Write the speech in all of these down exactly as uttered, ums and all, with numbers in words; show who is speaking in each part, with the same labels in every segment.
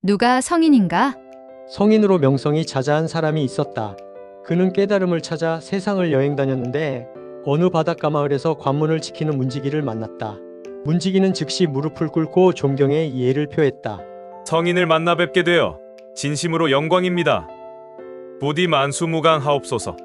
Speaker 1: 누가 성인인가?
Speaker 2: 성인으로 명성이 자자한 사람이 있었다. 그는 깨달음을 찾아 세상을 여행 다녔는데 어느 바닷가 마을에서 관문을 지키는 문지기를 만났다. 문지기는 즉시 무릎을 꿇고 존경의 예를 표했다.
Speaker 3: 성인을 만나 뵙게 되어 진심으로 영광입니다. 부디 만수무강하옵소서.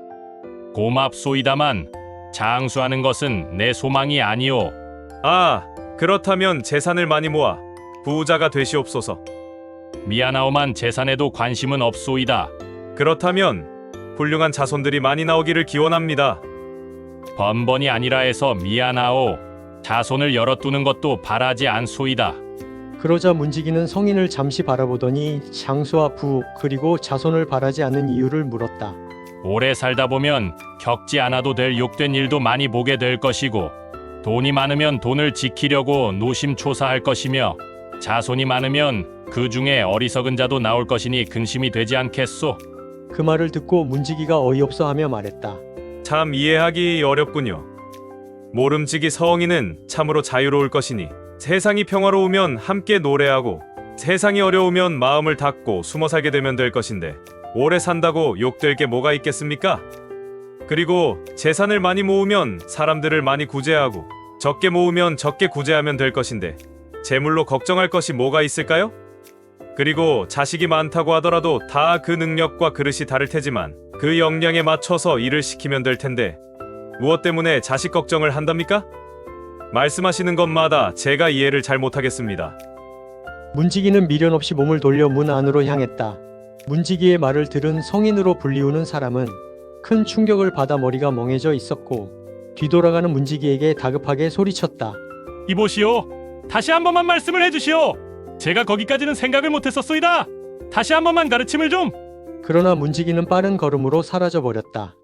Speaker 4: 고맙소이다만 장수하는 것은 내 소망이 아니오.
Speaker 3: 아, 그렇다면 재산을 많이 모아 부자가 되시옵소서.
Speaker 4: 미안하오만 재산에도 관심은 없소이다.
Speaker 3: 그렇다면 훌륭한 자손들이 많이 나오기를 기원합니다.
Speaker 4: 번번이 아니라 해서 미안하오. 자손을 열어두는 것도 바라지 않소이다.
Speaker 2: 그러자 문지기는 성인을 잠시 바라보더니 장수와 부 그리고 자손을 바라지 않는 이유를 물었다.
Speaker 4: 오래 살다 보면 겪지 않아도 될 욕된 일도 많이 보게 될 것이고, 돈이 많으면 돈을 지키려고 노심초사할 것이며, 자손이 많으면 그 중에 어리석은 자도 나올 것이니 근심이 되지 않겠소?
Speaker 2: 그 말을 듣고 문지기가 어이없어 하며 말했다.
Speaker 3: 참 이해하기 어렵군요. 모름지기 성인은 참으로 자유로울 것이니 세상이 평화로우면 함께 노래하고 세상이 어려우면 마음을 닫고 숨어 살게 되면 될 것인데 오래 산다고 욕될 게 뭐가 있겠습니까? 그리고 재산을 많이 모으면 사람들을 많이 구제하고 적게 모으면 적게 구제하면 될 것인데 재물로 걱정할 것이 뭐가 있을까요? 그리고 자식이 많다고 하더라도 다 그 능력과 그릇이 다를 테지만 그 역량에 맞춰서 일을 시키면 될 텐데 무엇 때문에 자식 걱정을 한답니까? 말씀하시는 것마다 제가 이해를 잘 못하겠습니다.
Speaker 2: 문지기는 미련 없이 몸을 돌려 문 안으로 향했다. 문지기의 말을 들은 성인으로 불리우는 사람은 큰 충격을 받아 머리가 멍해져 있었고 뒤돌아가는 문지기에게 다급하게 소리쳤다.
Speaker 4: 이보시오. 다시 한 번만 말씀을 해주시오. 제가 거기까지는 생각을 못했었소이다. 다시 한 번만 가르침을 좀.
Speaker 2: 그러나 문지기는 빠른 걸음으로 사라져 버렸다.